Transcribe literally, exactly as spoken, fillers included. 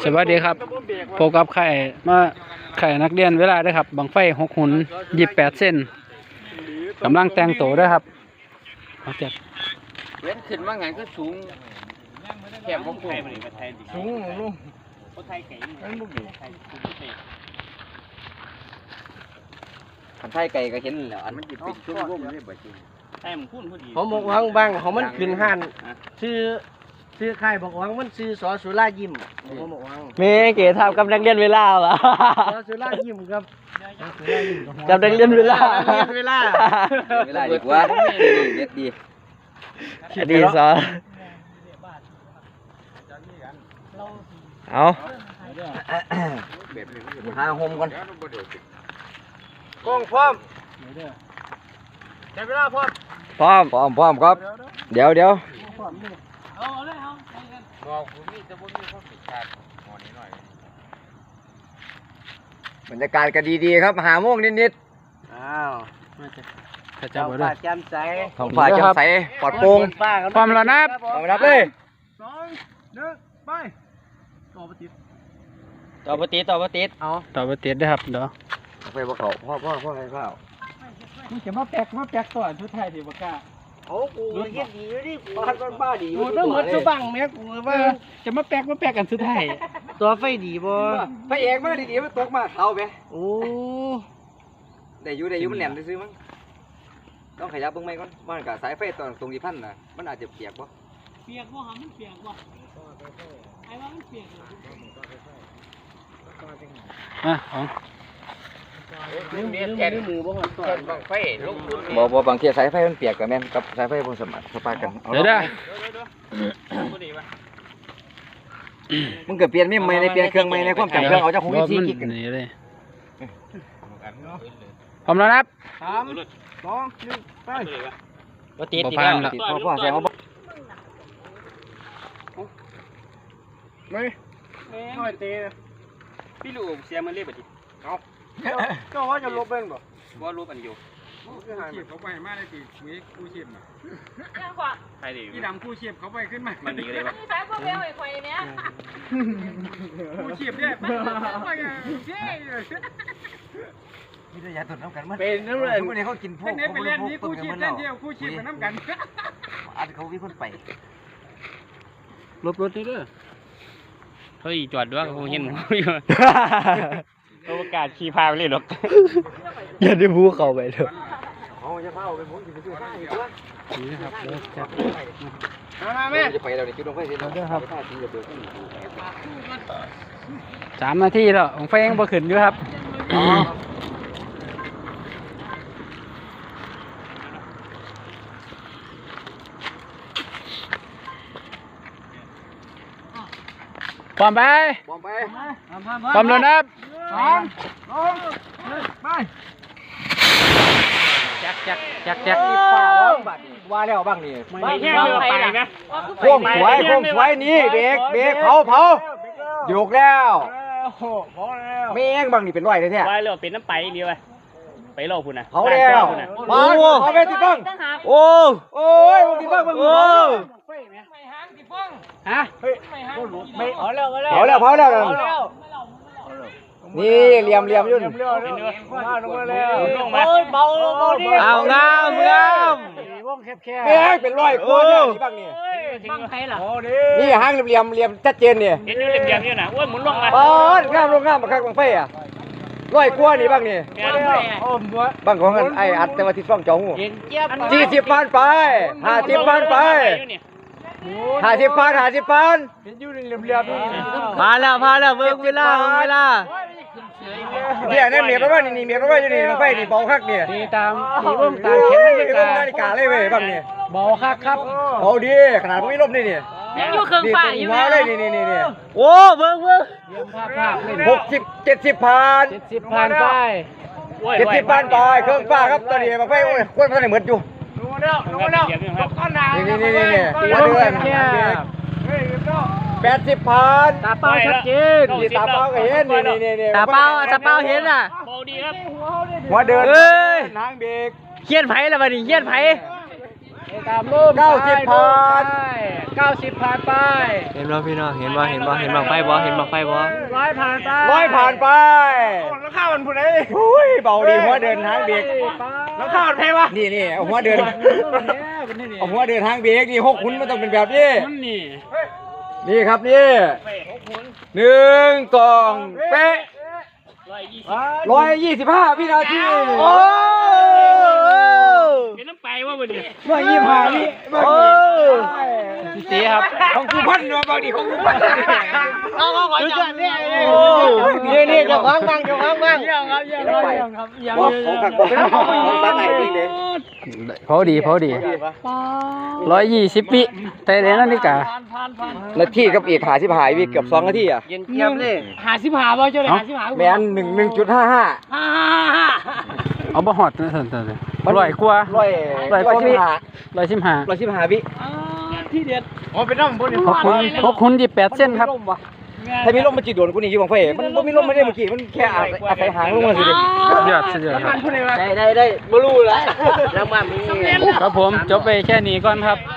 สวัสดีครับพบกับไข่มาไข่นักเรียนเวลาด้วยครับบังไฟหกหุ่นยี่สิบแปดเส้นกำลังแต่งโตด้วยครับเอาเจ็บเว้นขึ้นว่าไงก็สูงแคบของผมสูงลุงขันไทยไก่ก็เห็นแล้วอันมันจิเป็นชุ่มร่มเลยบ่จริงไทยมันคุ้นพอดีผมบอกว่าบางของมันขึ้นหันชื่อชื่อใครบอกว่ามันชื่อสอสุรายิ้มผมบอกว่าเมเก๋ทำกับนักเรียนเวลาเหรอสอสุรายิ้มครับกับนักเรียนเวลาเวลาเวลาดีกว่าเด็ดดีดีซอเอาหาโฮมก่อนกล้องพร้อมได้เวลาพร้อมพร้อมพร้อมพร้อมครับเดี๋ยวเดี๋ยวเอาเลยเอาบอกผมมีจะบ่มีความผิดพลาดหมอนี้หน่อยบรรยากาศก็ดีๆครับหาโมงนิดๆอ้าวข้าเจ้าบ่ได้แจ่มใสท้องฟ้าแจ่มใสปลอดโปร่งความระนับความรับเลยสองหนึ่งไปต่อปฏิต่อปฏิต่อปฏิเอาต่อปฏิได้ครับเดี๋ยวไปบ่เขาพ่อพ่อพ่อให้ข้าวมึงจะมาแปลกมาแปลกตัวชุดไทยดิบ่กล้าโอ้กูเฮ็ดดีอยู่ดิบ้านบ้านบ้าดีกูต้องหมดสุบังแม่กูว่าจะมาแปลกมาแปลกกันสุดไทยตัวไฟดีบ่พระเอกมาดีๆมันตกมาเขาไปโอ้ได้อยู่ได้อยู่มันแหลมซื้อมั้งต้องขยับเบิ่งไหมก่อนมันกับสายไฟตอนตรงที่พันน่ะมันอาจจะเปียกบ่เปียกบ่หามันเปียกบ่ไอ้ว่ามันเปียกอ่ะของมือแค่มือบ่ฮอดตัวบังไฟลงทุนบ่บ่บางทีสายไฟมันเปียกกับแม่นกับสายไฟบนสมัครสปากันเดี๋ยวได้มึงเกิดเปลี่ยนไม่ไม่ในเปลี่ยนเครื่องไม่ในความจำเครื่องเอาจากหกสิบสี่กิกนี่เลยพร้อมแล้วครับสามสองหนึ่งไปบ่ติดอีกแล้วติดพ่อพ่อแซงเอาบ่ไม่ไม่เตะพี่ลูกเสียมันเรียบดิเอาก็ว่าจะลบเป็นบ่ว่าลบอันอยู่ชีพเขาไปมาได้ตีคุยกู้ชีพน่ะยังกว่าใครดีพี่ดำกู้ชีพเขาไปขึ้นมามันดีเลยป่ะพี่สายพวกเบลไอ้ควายเนี้ยกู้ชีพเนี่ยไปไงเย้มีระยะตุ่นน้ำกันมันเป็นน้ำเลยทุกคนเขากินพวกเขาไปเล่นนี้กู้ชีพเล่นเดียวกู้ชีพกับน้ำกันอันเขาวิ่งคนไปลบรถนี่เด้อเฮ้ยจอดด้วยกูเห็นมึงอยู่โอกาสขี่พาไปเลยหรอกอย่าได้พูเขาไปเถอะเอาจะเผาไปผมจะไปซื้อข้าวอีกตัวนี่นะครับเลิกจับมาแม่จะไปเราเนี่ยจุดลงไฟเสร็จแล้วครับสามนาทีแล้วของไฟยังบ่ขึ้นอยู่ครับพร้อมไปพร้อมไปพร้อมแล้วนะสองสองไปจักจักจักจักว่าแล้วบ้างนี่ไม่แห้งเลยไปนะโค้งสวยโค้งสวยนี่เบรกเบรกเผาเผาโยกแล้วไม่แห้งบ้างนี่เป็นร้อยเลยเนี่ยไปเลยเป็นน้ำไปเดียวไปไปโลคุณนะเผาแล้วโอ้เอาไปติดบ้างโอ้โอ้ยติดบ้างมึงโอ้ฮะไม่เอาแล้วเอาแล้วเผาแล้วเผาแล้วนี่เหลี่ยมเหลี่ยมยุ่นลงมาแล้วลงมาเบาเบาดิเอางามงามวงแคบแคบไม่ให้เป็นร้อยคนนี่บ้างนี่บ้างใครล่ะนี่ห้างเหลี่ยมเหลี่ยมชัดเจนเนี่ยเห็นอยู่เหลี่ยมๆนี่นะอ้วนหมุนลงมาบ้านงามลงงามมาคักบังไฟอ่ะร้อยกว่านี่บ้างนี่บ้างของไอ้อัดแต่ว่าที่ฟ้องจองหูสี่สิบพันไปห้าสิบพันไปห้าสิบพันห้าสิบพันเห็นอยู่เหลี่ยมๆนี่มาแล้วมาแล้วเบิ่งเวลาเวลาเนี่ยนี่เมียรถไฟนี่เมียรถไฟอยู่นี่ไฟนี่เบาคักเนี่ยตีตามตีวงตามเข็มนาฬิกาเลยเว้ยบ้างเนี่ยเบาคักครับเบาดีขนาดไม่ลมนี่นี่ยังอยู่เครื่องฝ่ายอยู่เลยนี่นี่นี่โอ้เบิ่งเบิ่งหกสิบเจ็ดสิบพันเจ็ดสิบพันไปเจ็ดสิบพันไปเครื่องฟ้าครับตอนนี้มาไฟโอ้ยคนมันเหมือนอยู่ดูแล้วดูแล้วก้อนหนานี่นี่นี่นี่มาเดือนแปดสิบพันตาเป้าชัดเจนตาเป้าก็เห็นนี่นี่นี่ตาเป้าตาเป้าเห็นอ่ะเบาดีครับหัวเดินเอ้ยนางเบรกเขียนไผ่ละบัดนี้เขียนไผ่เตามรูปเก้าสิบผ่านเก้าสิบผ่านไปเห็นบ่พี่น้องเห็นบ่เห็นบ่เห็นบังไฟบ่เห็นบังไฟบ่ร้อยผ่านไปร้อยผ่านไปแล้วข้าวมันผู้ใดอุ้ยเบาดีหัวเดินทางเบรกแล้วข้าวมันแพ้วะนี่นี่เอาหัวเดินเอาหัวเดินทางเบรกนี่หกขุนมันต้องเป็นแบบนี้มันนี่นี่ครับนี่หนึ่งสองเป๊ะร้อยยี่สิบห้าวินาทีโอ้เป็นน้ำไปว่าวันนี้ร้อยยี่สิบห้าวิโอ้สีครับของกูพันเนาะบางทีของกูพันเอาเอาขอจับนี่นี่นี่เจ้าของบ้างเจ้าของบ้างเยี่ยมครับเยี่ยมครับเยี่ยมครับเยี่ยมบอกของขักบอกของสาไหนจริงเลยพอดีพอดีร้อยยี่สิบวิแต่เดี๋ยวนั้นนี่กะนาทีกับอีกหาสิบหายวิเกือบสองนาทีอ่ะเย็นเจี๊ยบเลยหาสิบหาบ่เจ้าเลยหาสิบหาแมนหนึ่งหนึ่งจุดห้าห้าฮ่าฮ่าเอาบ่ฮอดนะท่านๆเลยร้อยกว่าร้อยร้อยกว่าสิบห้าร้อยสิบห้าร้อยสิบห้าวิที่เด็ดอ๋อเป็นน้ำบนหกคุณหกคุณยี่แปดเส้นครับถ้ามีลมมันจีโดนกูนี่ยี่บังไฟมันบ่มีลมไม่ได้เมื่อกี้มันแค่อาศัยอาศัยหางลงมาสิเด็สุดยอดสุดยอดครับได้ได้ได้บ่รู้แล้วแล้วมามีครับผมจบไปแค่นี้ก่อนครับ